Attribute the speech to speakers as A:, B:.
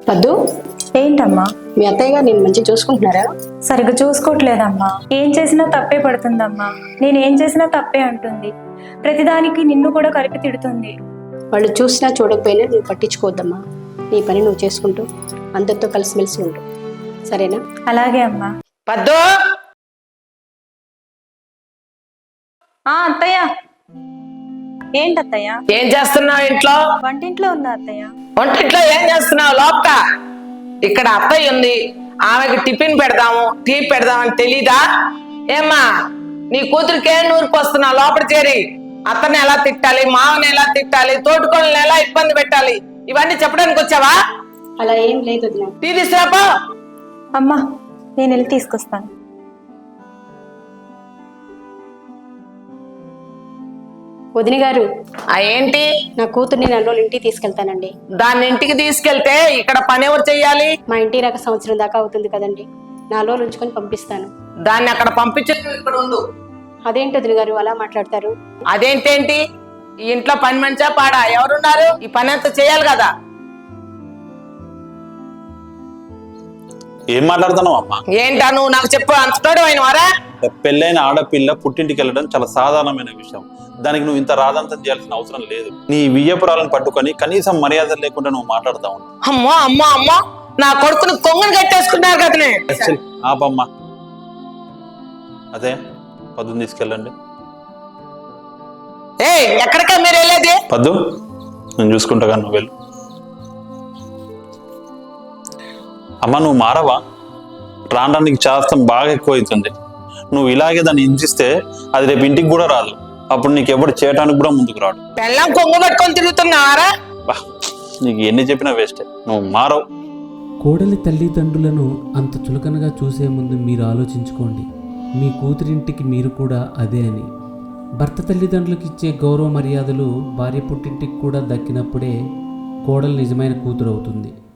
A: పద్దు,
B: ఏంటమ్మా?
A: మీ అత్తయ్య గారు నేను మంచిగా చూసుకుంటున్నారా?
B: సరిగ్గా చూసుకోవట్లేదమ్మా. ఏం చేసినా తప్పే పడుతుందమ్మా. నేను ఏం చేసినా తప్పే అంటుంది. ప్రతిదానికి నిన్ను కూడా కలిపి తిడుతుంది.
A: వాళ్ళు చూసినా చూడకపోయినా నువ్వు పట్టించుకోవద్దమ్మా. నీ పని నువ్వు చేసుకుంటూ అందరితో కలిసిమెలిసి ఉంటు, సరేనా?
B: అలాగే అమ్మా.
C: పద్దు,
B: అత్తయ్య. ఏంటత్తయ్య?
C: ఏం చేస్తున్నావు ఇంట్లో?
B: వంటింట్లో ఉందా అత్తయ్య?
C: వంటింట్లో ఏం చేస్తున్నావు? లోపట ఇక్కడ అత్తయ్య ఉంది, ఆమెకి టిఫిన్ పెడదాము, టీ పెడదామని తెలీదా? ఏమ్మా, నీ కూతురికి ఏం నూరుకొస్తున్నావు? లోపల చేరి అత్తని ఎలా తిట్టాలి, మామని ఎలా తిట్టాలి, తోటికోళ్ళని ఎలా ఇబ్బంది పెట్టాలి, ఇవన్నీ చెప్పడానికి వచ్చావా?
A: అలా ఏం లేదు వదినా.
C: టీ తీసుకురాపో.
B: అమ్మా, నేను వెళ్ళి తీసుకొస్తాను.
A: వదిన గారు,
C: ఏంటి?
A: నా కూతుర్ని 4 రోజులు ఇంటికి తీసుకెళ్తానండి.
C: దాన్ని ఇంటికి తీసుకెళ్తే ఇక్కడ పని ఎవరు చెయ్యాలి?
A: మా ఇంటి రాక సంవత్సరం దాకా అవుతుంది కదండి. 4 రోజులు ఉంచుకొని పంపిస్తాను.
C: దాన్ని అక్కడ పంపించే ఇక్కడ ఉండు.
A: అదేంటి వదిన గారు అలా మాట్లాడతారు?
C: అదేంటేంటి? ఈ ఇంట్లో పని మంచా పాడా? ఎవరున్నారు? ఈ పని అంతా చేయాలి కదా.
D: ఏం మాట్లాడుతున్నావు అమ్మా?
C: ఏంటా నువ్వు నాకు చెప్పు, అంతటోడు అయిన వారా?
D: పెళ్ళైన ఆడపిల్ల పుట్టింటికి వెళ్ళడం చాలా సాధారణమైన విషయం. దానికి నువ్వు ఇంత రాదంతం చేయాల్సిన అవసరం లేదు. నీ వియ్యపురాలను పట్టుకొని కనీసం మర్యాద లేకుండా నువ్వు మాట్లాడుతా ఉన్నావు.
C: అమ్మో అమ్మో అమ్మో, నా కొడుకుని కొంగని కట్టేసుకున్నారు కదనే.
D: ఆపమ్మా. అదే పద్దుని తీసుకెళ్ళండి.
C: ఏ ఎక్కడికా మీరు వెళ్ళేది?
D: పద్దు, నేను చూసుకుంటా కానీ నువ్వు వెళ్ళు. అమ్మ, నువ్వు మారవా? రావడానికి చాస్తం బాగా ఎక్కువ అవుతుంది. నువ్వు ఇలాగే దాన్ని హింసిస్తే అది రేపు ఇంటికి కూడా రాదు. అప్పుడు నీకు ఎవరు చేయడానికి కూడా ముందుకు రాడు.
C: పెళ్ళం కొంగు పట్టుకొని తిరుగుతున్నావారా?
D: నీకు ఎన్ని చెప్పినా వేస్టే. నువ్వు మారవు.
E: కోడలి తల్లిదండ్రులను అంత చులకనగా చూసే ముందు మీరు ఆలోచించుకోండి. మీ కూతురింటికి మీరు కూడా అదే అని. భర్త తల్లిదండ్రులకు ఇచ్చే గౌరవ మర్యాదలు భార్య పుట్టింటికి కూడా దక్కినప్పుడే కోడలు నిజమైన కూతురు అవుతుంది.